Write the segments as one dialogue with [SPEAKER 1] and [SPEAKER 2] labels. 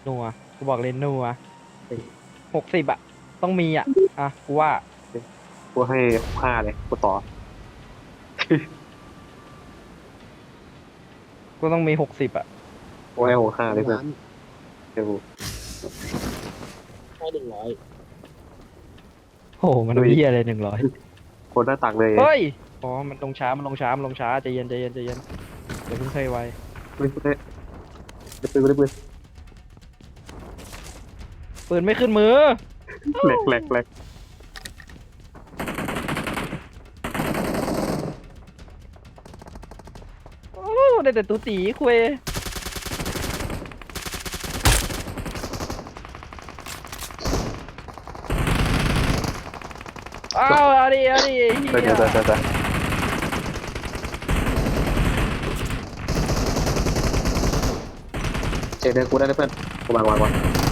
[SPEAKER 1] นัวกูบอกเลยนัว60อ่ะต้องมีอ่ะกูว่า
[SPEAKER 2] กูให้5เลยกูต่อ
[SPEAKER 1] กูต้องมี60อ่ะ
[SPEAKER 2] กูให้5เลยเพื่อน
[SPEAKER 3] ร้าน
[SPEAKER 2] เดี๋ยวกู
[SPEAKER 3] ให้100
[SPEAKER 1] โอ้โหมันเหี้ยอะไร100
[SPEAKER 2] คนหน้าตักเลย
[SPEAKER 1] เฮ้ยอ๋อมันลงช้าใจเย็นใจเย็นใจเย็นเดี๋ยวเพิ่งเคยไว
[SPEAKER 2] ไม่ได้ได้ปืนได้ปืน
[SPEAKER 1] ปืนไม่ขึ้นมือ
[SPEAKER 2] แหลกแหลกแหลก
[SPEAKER 1] โอ้ได้แต่ตูตีคุยอ้าวเอาดิเฮี
[SPEAKER 2] เดี๋ยวย เดี๋ยวเดี๋ยวเดี๋ยวเจเดินกูได้เลยเพื่อนกูวางวางวาง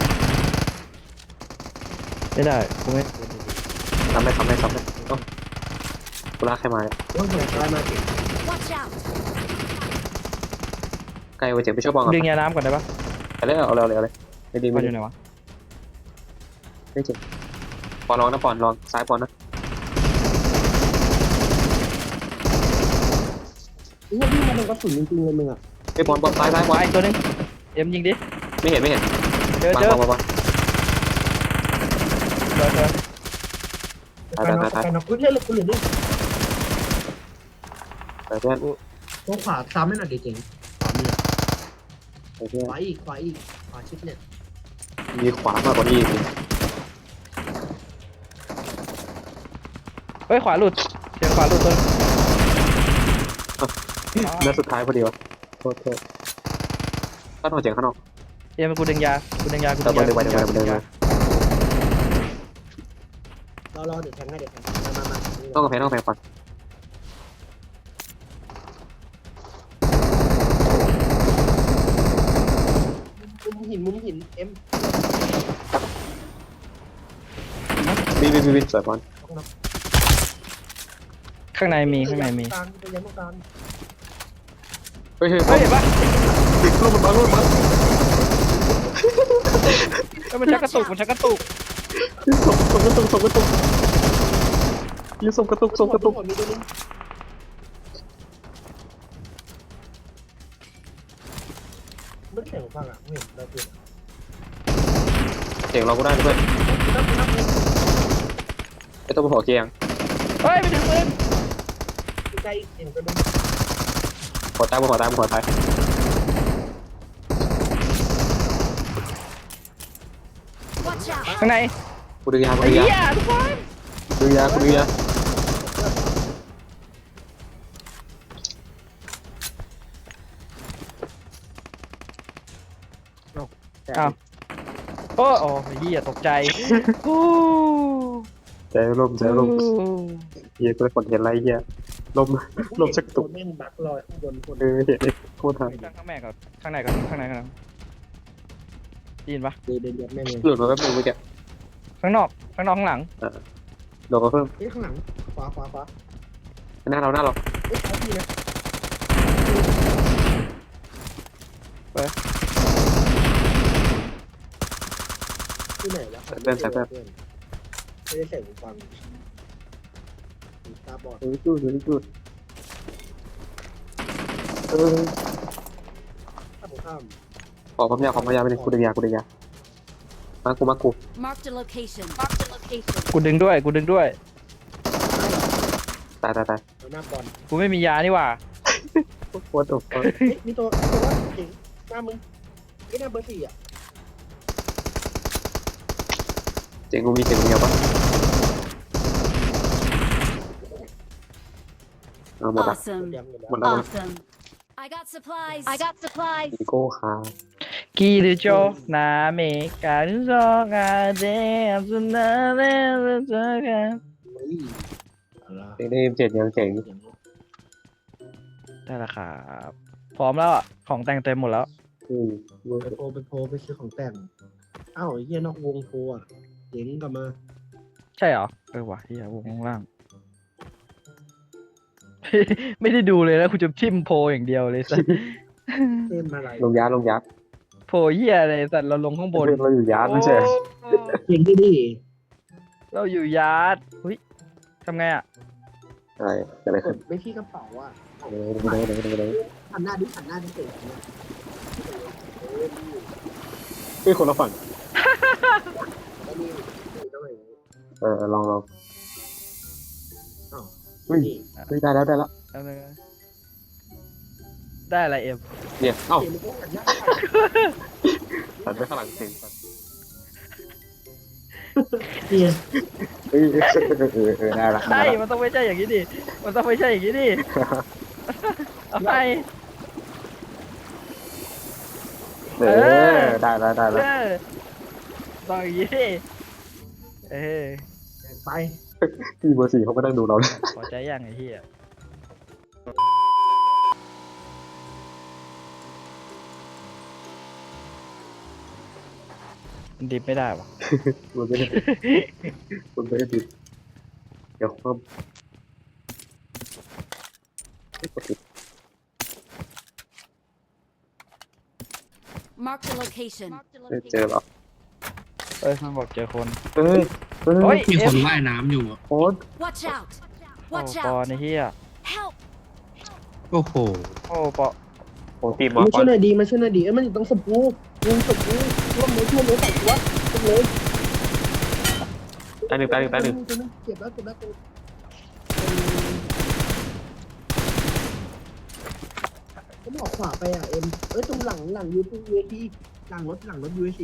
[SPEAKER 1] ไม่ได้กูไม่
[SPEAKER 2] ทำได้ต้องกูลากใครมา
[SPEAKER 3] โอ้ยเหมือนอะไรมาเก็บ
[SPEAKER 4] Watch out!
[SPEAKER 2] ใกล้ไปเจ็บไปช่วยบอลก่อน
[SPEAKER 1] ดึงยาน้ำก่อนได้ปะ
[SPEAKER 2] ไปเลยเอาเลยไม่ดี
[SPEAKER 1] มั
[SPEAKER 2] ไม่
[SPEAKER 1] นอ
[SPEAKER 2] ดี
[SPEAKER 1] ยู่ไหนวะ
[SPEAKER 2] ไม่เจ็บปอนลองนะปอนลองซ้ายปอนนะ
[SPEAKER 3] นี่ว่าพี่มาโดนกระสุนจริงๆเลยมึงอ่ะ
[SPEAKER 2] ไอ้ปอนซ้ายปอน
[SPEAKER 1] วายตัวนึงเอ็มยิงดิ
[SPEAKER 2] ไม่เห็น
[SPEAKER 1] เจอ
[SPEAKER 2] วาง
[SPEAKER 1] เจอ
[SPEAKER 2] วางวาง
[SPEAKER 1] เจอ
[SPEAKER 3] ไปน็อกเล่นเลยกูเหลือนี่
[SPEAKER 2] ไปเพื่อน
[SPEAKER 3] ตัวขวาซ้ำไม่หน่อยดิเจ๋งขวามี
[SPEAKER 2] ไปเพื่อน
[SPEAKER 3] ขวาอีกขวาชิดเนี่ย
[SPEAKER 2] มีขวามากกว่านี้อีก
[SPEAKER 1] เฮ้ยขวาหลุดเสียงขวาหลุดตัวนึง
[SPEAKER 2] นัดสุดท้ายพอดีวะโทษข้างนอกเจ๋งข้างนอก
[SPEAKER 1] เอ็มกูดึงยากูดึงยา
[SPEAKER 2] เดินไปเดินไป
[SPEAKER 3] รอเดี๋ยวแทงให้เดี๋ยวแทงมา
[SPEAKER 2] ต้องกระแพงก่อน
[SPEAKER 3] มุมหินเอ็ม
[SPEAKER 2] บินสวยปอน
[SPEAKER 1] ข้างในมี
[SPEAKER 3] กลางไปยันตรงกลาง
[SPEAKER 2] เฮ้ย
[SPEAKER 1] เฮ้ยเห็นปะ
[SPEAKER 2] ลูกมันมา
[SPEAKER 1] เฮ้ยมันชักกระตุก
[SPEAKER 2] ส่งกระตุกยืนส่งกระตุก
[SPEAKER 3] มีตัวนึงไม่แข่งฟังอ่ะไม่เห็นเราเปลี่ยน
[SPEAKER 2] เจ๋งเราก็ได้ด้วยไอ้ตัวหัวเกียง
[SPEAKER 1] เฮ้ยไปถึงปืน
[SPEAKER 3] ใกล้เอ็มก็ดู
[SPEAKER 2] หัวตาย
[SPEAKER 4] Watch out!
[SPEAKER 1] ข้างใน
[SPEAKER 2] กูดึงยา
[SPEAKER 1] ไอ้เหี้ยทุกคน
[SPEAKER 2] ดึงยา
[SPEAKER 1] อ้าวโอ้โอ้เหี้ยตกใจโอ้
[SPEAKER 2] ใจลมเฮียกูได้ผลเห็นไรเฮียลมชักตุก
[SPEAKER 3] แม่งบักลอยข้างบนคน
[SPEAKER 2] เห็นโคตรทัน
[SPEAKER 1] ข้างแม่ก่อนข้างในก่อนได้ยินปะ
[SPEAKER 3] เดินแม่งเลย
[SPEAKER 2] หลุดมาแป๊บนึงเมื่อกี้
[SPEAKER 1] ข้างนอกข้างหลัง
[SPEAKER 2] โดนก็เพิ่ม
[SPEAKER 3] เฮ้ยข้างหลังขวา
[SPEAKER 2] หน้าเรา
[SPEAKER 3] เฮ้ยเขาดีนะที่ไหนแล้วไม่ได้ใส่หูฟังตาบอด
[SPEAKER 2] จุด
[SPEAKER 3] ข้าม
[SPEAKER 2] ขอความยาวไปเลยกูดึงยามากู
[SPEAKER 4] Marked a location.
[SPEAKER 1] กูดึงด้วย
[SPEAKER 2] ตาย
[SPEAKER 3] หน้าบอล
[SPEAKER 1] กูไม่มียานี่หว่า
[SPEAKER 2] โคตรดุ
[SPEAKER 3] เฮ้ยมีตัวว่าเจ๋งหน้ามึงไอ้หน้าเบอร์4อ่ะ
[SPEAKER 2] เจ๋งกูมีเจ๋งเดียวปะหมดละ
[SPEAKER 4] Awesome.
[SPEAKER 2] หมดแล้ว
[SPEAKER 4] Awesome. I got supplies.
[SPEAKER 2] อีโก้คา
[SPEAKER 1] กิริโจนาเมการุโซกาเดสุนาเรโซกา
[SPEAKER 3] เฮ้ย
[SPEAKER 2] เจ๋งได้7ยังเจ๋ง
[SPEAKER 1] ได้ละครับพร้อมแล้วของแต่งเต็มหมดแล้ว
[SPEAKER 3] ไปโพไปซื้อของแต่งอ้าวไอ้เหี้ยนอกวงโพอ่ะเจ๋งกลับมา
[SPEAKER 1] ใช่เหรอว่ะเฮียวงข้างล่าง ไม่ได้ดูเลยแล้วกูจะทิมโพอย่างเดียวเลยสัส
[SPEAKER 3] เต็มอะไร
[SPEAKER 2] ลงยา
[SPEAKER 1] โผล่เหี้ยอะไรสัตว์เราลงข้างบน
[SPEAKER 2] เราอยู่ยาร์ดไม่ใช่เหรอ
[SPEAKER 1] โอ้
[SPEAKER 3] จริงที่ดิ
[SPEAKER 1] เราอยู่ยาร์ดอุ้ยทำไงอ่ะ
[SPEAKER 2] อะไรเกิดอะไร
[SPEAKER 3] ก
[SPEAKER 2] ขึ้น
[SPEAKER 3] ดไปที่กระเป๋าอ่ะ
[SPEAKER 2] เดี๋ยว
[SPEAKER 3] หันหน้าดิหันหน้าดิเตะเนี่ย
[SPEAKER 2] เฮ้ยคนละฝั่ง
[SPEAKER 3] แล้วนี่ต้องอย่างนี้
[SPEAKER 2] ลอง
[SPEAKER 3] อ้าว
[SPEAKER 2] เฮ้ย
[SPEAKER 3] นี่
[SPEAKER 2] เฮ้ยได้แล้ว
[SPEAKER 1] เอาเลยได้อะไรเอ็ม
[SPEAKER 2] เนี่ยเอ้า
[SPEAKER 3] เกมมันก็หันหน้า
[SPEAKER 2] ตัดไปข้างหลังเสียงตัด
[SPEAKER 3] เนี่ย
[SPEAKER 2] เฮ้ยได้ละ
[SPEAKER 1] ใช่มันต้องไม่ใช่อย่างนี้ดิมันต้องไม่ใช่อย่างนี้ดิเอาไป
[SPEAKER 2] ได้แล้ว
[SPEAKER 1] เออต้องอย่างนี้ดิเออ
[SPEAKER 3] ไป
[SPEAKER 2] พี่เบอร์4เขาก็นั่งดูเราเลย
[SPEAKER 1] พอใจยังไอ้เหี้ยมันดิบไม่ได้วะ
[SPEAKER 2] มันไม่ได้ดิเดี๋ยวก็กดติด
[SPEAKER 4] Mark the location.
[SPEAKER 2] เจอหรอ
[SPEAKER 1] เอ้ยมันบอกเจอคน
[SPEAKER 2] เฮ้ย
[SPEAKER 5] มีคนว่ายน้ำอยู่อะ
[SPEAKER 2] โค้ด
[SPEAKER 4] Watch out.
[SPEAKER 1] โอ้
[SPEAKER 4] Watch
[SPEAKER 1] ปอ
[SPEAKER 4] out.
[SPEAKER 1] ในเหี้ย
[SPEAKER 4] Help.
[SPEAKER 5] โอ้โห
[SPEAKER 1] โอ้ปอ
[SPEAKER 2] โอ้ทีมหมอ
[SPEAKER 3] มา
[SPEAKER 2] ก่อ
[SPEAKER 3] ช่วน ยหน่อยดีมาช่วยหน่อยดีมันอยู่ตรงสปูยิงสปูร่วมมือใส่ตัวตรงเลย
[SPEAKER 2] ตายหนึ่ง
[SPEAKER 3] เจ็บแล้วผมออกขวาไปอ่ะเอ็มตรงหลังยูทูบเวทีหลังรถยูเอซี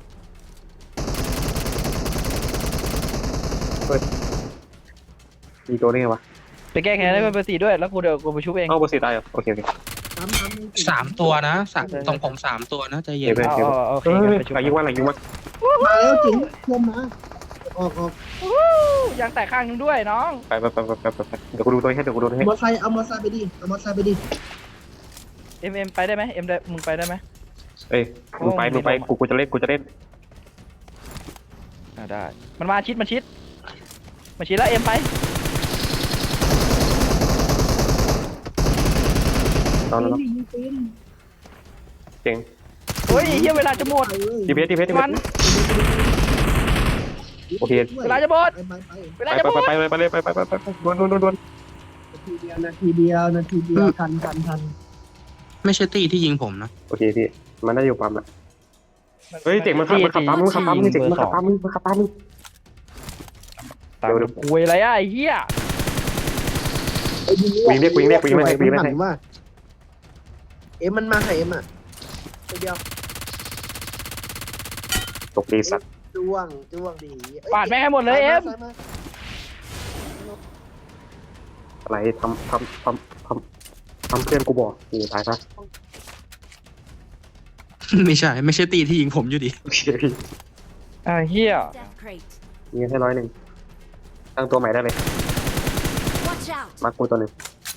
[SPEAKER 2] มีตัวนี้ไงวะ
[SPEAKER 1] ไปแก้แค้นให้เบอร์สี่ด้วยแล้วกูเดี๋ยวกูไปชุบเอง
[SPEAKER 2] เอ้าเบอร์4ตายเหรอโอเค
[SPEAKER 5] สามตัวนะตรงผม3 ตัวนะใจเย็น
[SPEAKER 2] เดี๋ยว
[SPEAKER 1] เอาโอเค
[SPEAKER 2] เฮ้
[SPEAKER 1] งั้น
[SPEAKER 2] ย
[SPEAKER 1] ไปชุบ
[SPEAKER 2] หลังยิงว่า
[SPEAKER 3] มาแล้วจริงเพิ่มมาออก
[SPEAKER 1] ยางแตกข้างนึงด้วยน้อง
[SPEAKER 2] ไปเดี๋ยวกูดูตัวให้เอา
[SPEAKER 3] มอไซค์เอามอไซค์ไปดิเอามอไซค์ไปดิ
[SPEAKER 1] เอ็มไปได้ไหมเอ็มได้มึงไปได้ไหม
[SPEAKER 2] เอ้ยมึงไปกูจะเล่น
[SPEAKER 1] ได้มันมาชิดแล้วเอ็มไป
[SPEAKER 2] ตอนนั้น
[SPEAKER 3] ยิงปืน
[SPEAKER 2] เจ๋ง
[SPEAKER 1] เฮ้ยเฮียเวลาจะหมด
[SPEAKER 2] ดีเพส
[SPEAKER 1] มัน
[SPEAKER 2] โอเค
[SPEAKER 1] เวลาจะหมด
[SPEAKER 3] ไป
[SPEAKER 1] เวลาจะหมด
[SPEAKER 2] ไปดวน
[SPEAKER 3] นาทีเดียวทัน
[SPEAKER 5] ไม่ใช่ตี้ที่ยิงผมนะ
[SPEAKER 2] โอเคพี่มันได้อยู่ปั๊มอะเฮ้ยเจ๋งมันขับปั๊มมึงเจ๋งมันขับปั๊มมึง
[SPEAKER 1] ตามคุยอะไรอ่ะไอ้เหี้ย
[SPEAKER 2] วิ่งเรียก
[SPEAKER 3] ว่าเอ็มมันมาให้เอ็มอ่ะเดียว
[SPEAKER 2] ตกดีสัตว์
[SPEAKER 3] จ้วงดี
[SPEAKER 1] ปาดแม่งให้หมดเลยเอ็ม
[SPEAKER 2] อะไรทำเพื่อนกูบอกนี่ตายซะ
[SPEAKER 5] ไม่ใช่ตี้ที่ยิงผมอยู่ดิ
[SPEAKER 2] โอเคพี่
[SPEAKER 1] เหี้ย
[SPEAKER 4] Death crate.
[SPEAKER 2] ยิงให้100ตั้งตัวใหม่ได้เลย
[SPEAKER 4] Watch out.
[SPEAKER 2] มากูตัวหนึ่ง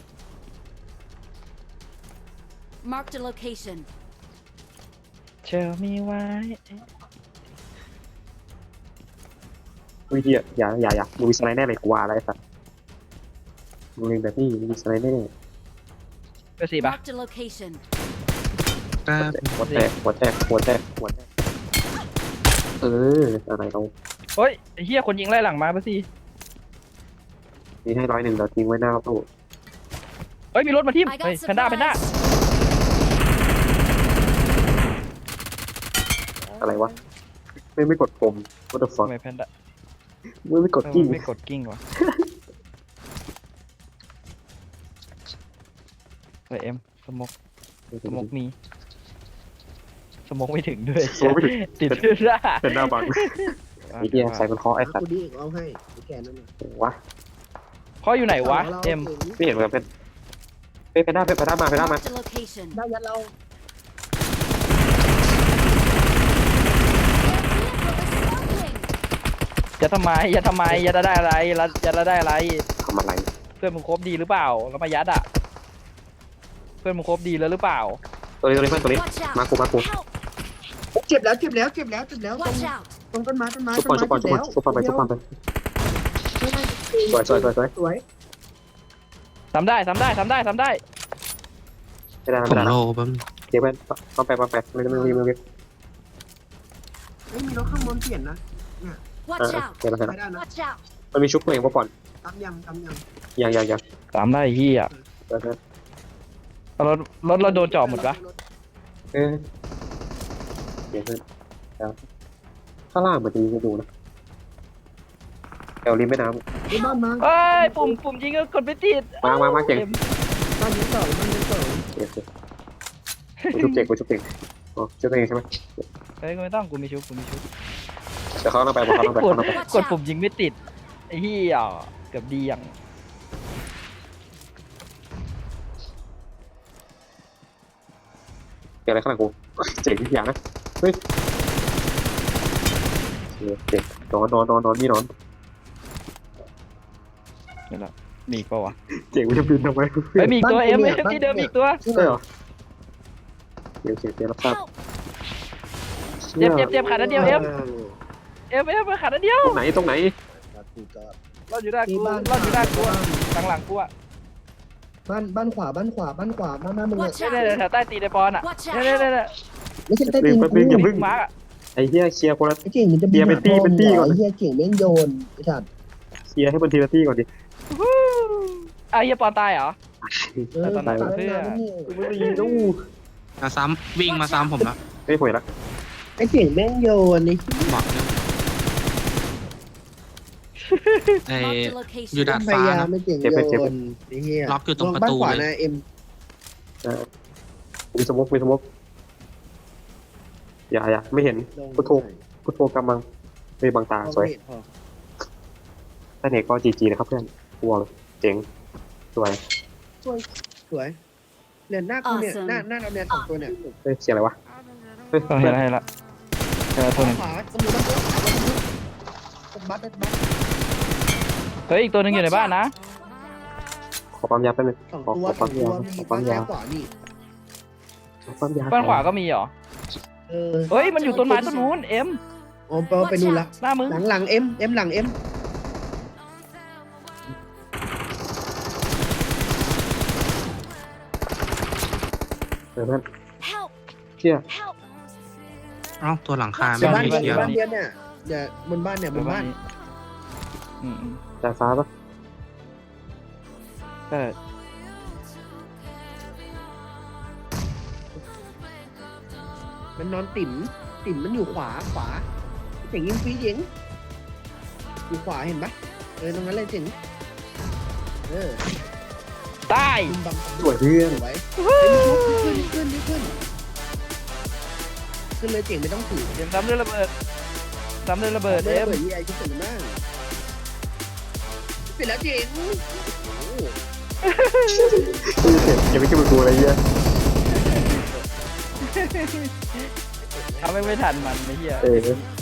[SPEAKER 4] Mark the location.
[SPEAKER 1] เชลมีไว้
[SPEAKER 2] วิธีอย่ามึงมีสไลด์แน่เลยกูว่าอะไรสัตว์มึงแบบนี้มีสไลด์แน่
[SPEAKER 1] เบอร์สี่ปะ
[SPEAKER 4] Mark the location.
[SPEAKER 5] ครับ
[SPEAKER 2] หัวแตกอะไรเรา
[SPEAKER 1] เฮ้ยไอ้เหี้ยคนยิงไล่หลังมาเบอร์สี่
[SPEAKER 2] มีให้100เราทิ้งไว้หน้าตู้
[SPEAKER 1] เฮ้ยมีรถมาทิ่ม
[SPEAKER 4] I
[SPEAKER 1] เฮ้ย
[SPEAKER 4] got
[SPEAKER 1] แพนด้า
[SPEAKER 4] supplies.
[SPEAKER 2] อะไรวะไม่กดผม what the
[SPEAKER 1] ทำ
[SPEAKER 2] fuck
[SPEAKER 1] ไมแพนด้า
[SPEAKER 2] ไม่กดกิ้ง
[SPEAKER 1] ไม่กดกิ้งวะเฮ้ยเอ็มสมกมีสมกไม่ถึงด้วยติดเสื้อ
[SPEAKER 2] เป็นหน้าบังไอ้เหี้ยใส่มันคอไอ้สัต
[SPEAKER 3] กู
[SPEAKER 2] ว์
[SPEAKER 3] ดีเอาให้แกนั่นน่ะ
[SPEAKER 2] วะ
[SPEAKER 1] ข้ออยู่ไหนวะเอ็ม
[SPEAKER 2] ไม่เห็นเหมือนกันเป็นหน้ามา
[SPEAKER 4] Mark the location.
[SPEAKER 3] ได้ยันเรา
[SPEAKER 1] อย่าทำไมอย่าจะได้อะไรอย่าได้อะไร
[SPEAKER 2] ทำอะไร
[SPEAKER 1] เพื่อนมึงครบดีหรือเปล่าแล้วมายัดอ่ะเพื่อนมึงครบดีแล้วหรือเปล่า
[SPEAKER 2] ตัวนี้เพื่อนตัวนี้
[SPEAKER 4] Watch out.
[SPEAKER 2] มากู
[SPEAKER 4] Help.
[SPEAKER 3] เจ็บแล้วต
[SPEAKER 4] Watch out.
[SPEAKER 3] รงต้นไม้
[SPEAKER 2] ซุปก่อนไปสวย
[SPEAKER 1] ทำได้
[SPEAKER 2] ไม่ได้
[SPEAKER 5] ผมโลบ้าง
[SPEAKER 2] เดี๋ยวไปต้องไปไม่
[SPEAKER 3] เฮ้ยมีรถข้างบนเปลี่ยนนะ
[SPEAKER 4] Watch
[SPEAKER 2] อ่ะ
[SPEAKER 4] out!
[SPEAKER 2] เห็นแล้วเห็น
[SPEAKER 3] ไป
[SPEAKER 2] แล้ว
[SPEAKER 3] ได้นะ
[SPEAKER 4] Watch out!
[SPEAKER 2] มันมีชุบตัวเองปะก่อน
[SPEAKER 3] ตำยำ
[SPEAKER 2] ยัง
[SPEAKER 1] ตามได้เฮีย
[SPEAKER 2] เออ
[SPEAKER 1] รถเราโดนจ่อหมดปะ
[SPEAKER 2] เออเดี๋ยวเพื่อนครับข้างล่างเหมือนจะมีให้ดูนะแถวริมแม่น้
[SPEAKER 3] ไอ้บ้านมา
[SPEAKER 1] เอ้ยปุ่มยิงก็กดไม่ติด
[SPEAKER 2] มาเก่ง
[SPEAKER 3] บ้านนี้ต่อบ้านนี้ต่อ
[SPEAKER 2] ำเดี๋ยวกูชุบเก่งอ๋อชุบตัวเองใช่ไหม
[SPEAKER 1] เฮ้ยไม่ต้องกูมีชุบ
[SPEAKER 2] เดี๋ยวเขาต้องไปเขาต้องไป
[SPEAKER 1] กดปุ่มยิงไม่ติดไอ้เฮียเกือบดีอย่าง
[SPEAKER 2] เก่งอะไรข้างหลังกูเจ๋งอย่างนะเฮ้ยเจ๋งนอนนี่นอน
[SPEAKER 1] เดี๋ยวละมีอีกปะวะ
[SPEAKER 2] เจ๋งมันจะบินทำไม
[SPEAKER 1] เฮ้ยมีอีกตัวเอ็มที่เดิมมีอีกตัว
[SPEAKER 2] ใช่เหรอเดี๋ยวรับทราบ
[SPEAKER 4] Help!
[SPEAKER 1] เจ็บขาดนัดเดียวเอ็มขาดนัดเดียว
[SPEAKER 2] ตรงไหน
[SPEAKER 1] รอดอยู่ได้กูรอดอยู่ได้กูหลังกูอ่ะ
[SPEAKER 3] บ้านขวาบ้านมึง
[SPEAKER 4] Watch
[SPEAKER 1] เนี่ย
[SPEAKER 4] out!
[SPEAKER 1] แถวใต้ตีนไอปอนอ่ะ
[SPEAKER 4] Watch
[SPEAKER 1] เนี่ย
[SPEAKER 4] out!
[SPEAKER 3] ไม่ใช่ใต้ตีน
[SPEAKER 2] อย่าพึ่ง
[SPEAKER 1] มาร์กอ่ะ
[SPEAKER 2] ไอ้เหี้ยเคลียร์คนละ
[SPEAKER 3] ไอ้เก่งมันจะไอ้เหี้ยเก่งแม่งโยนไอ้สัตว์
[SPEAKER 2] เคลียร์ให้มันทีละที่ก่อนดิ
[SPEAKER 1] ไอ้เฮียปอนตายเหรอ
[SPEAKER 2] ไม่มีดู
[SPEAKER 5] มาซ้ำวิ่งมาซ้ำผมแล้ว
[SPEAKER 2] ไม่ป่วยละ
[SPEAKER 3] ไอ้เก่งแม่งโยนนี่
[SPEAKER 5] บอกเลยไอ้
[SPEAKER 4] Marked a
[SPEAKER 5] อยู่
[SPEAKER 4] location.
[SPEAKER 5] ดาด
[SPEAKER 3] พ
[SPEAKER 5] ฟ้าย
[SPEAKER 3] ายาม
[SPEAKER 5] นะ
[SPEAKER 3] ไม่เก่งโยนไอ้เหี้ย
[SPEAKER 5] ล็อกอยู่ตรงประตู
[SPEAKER 3] บ้านขวา
[SPEAKER 5] เลย
[SPEAKER 3] นะเอ็ม
[SPEAKER 2] มีสมกอย่าไม่เห็นพุทโธกำลังไม่บังตาสวยถ้าเน็กก็จีนะครับเพื่อนกลัวเจ๋งสวย
[SPEAKER 3] สวยเนี่ยหน้ากูเนี่ยหน้าเราเนี่ยสองตัวเนี่ย
[SPEAKER 2] เฮ้ยเสียงอะไรวะเฮ้ย
[SPEAKER 1] เห็นละตัวนึง
[SPEAKER 3] ขวาตำรวจบัส
[SPEAKER 1] เฮ้ยอีกตัวนึงอยู่ในบ้านนะ
[SPEAKER 2] ขอปั๊มยาแป๊บนึง
[SPEAKER 3] สอง
[SPEAKER 2] ขอ
[SPEAKER 3] ตัว
[SPEAKER 2] ปั๊มยา
[SPEAKER 3] มี
[SPEAKER 2] ขอ
[SPEAKER 3] บ้า
[SPEAKER 2] ปั๊
[SPEAKER 3] น
[SPEAKER 2] ม
[SPEAKER 3] ซ้าย
[SPEAKER 2] ยา
[SPEAKER 3] ขวานี่
[SPEAKER 1] บ้านขวาก็มีเหรอ
[SPEAKER 3] เ
[SPEAKER 1] เฮ้ยมันอยู่ต้นไม้ต้นนู้นเอ็ม
[SPEAKER 3] อ๋อไปนู่นละ
[SPEAKER 1] หน้ามึง
[SPEAKER 3] หลังเอ็มหลังเอ็ม
[SPEAKER 2] เพื่อน
[SPEAKER 4] Help!
[SPEAKER 2] เชี่ย
[SPEAKER 4] Help!
[SPEAKER 5] เอ้าตัวหลังคา
[SPEAKER 3] ใน
[SPEAKER 5] ไม่
[SPEAKER 3] บ้าน
[SPEAKER 5] มี
[SPEAKER 3] เดี
[SPEAKER 5] เขียว
[SPEAKER 3] ยวเนี่ยเดี๋ยวบนบ้านเนี่ยบนบ้าน
[SPEAKER 2] ดาดฟ้าปะ
[SPEAKER 1] ก็
[SPEAKER 3] มันนอนติ่มมันอยู่ขวาเจ๋งยิงฟรีเจ๋งอยู่ขวาเห็นปะตรงนั้นเลยเจ๋ง
[SPEAKER 1] ตาย
[SPEAKER 3] บัง
[SPEAKER 2] สวยเพื่อน
[SPEAKER 3] ไว้ขึ้นเลยเจ๋งไม่ต้องถือ
[SPEAKER 1] เดี๋ยวซ้ำด้วยระเบิดเอ็ม
[SPEAKER 3] เปิดยี่ไอที่เปิดมากเสร็จแล้วเจ๋ง
[SPEAKER 2] อย่าไปคิดว่ากูอะไรเงี้ย
[SPEAKER 1] ทำไม่ทันมันไอ้เหี้ย
[SPEAKER 2] เออ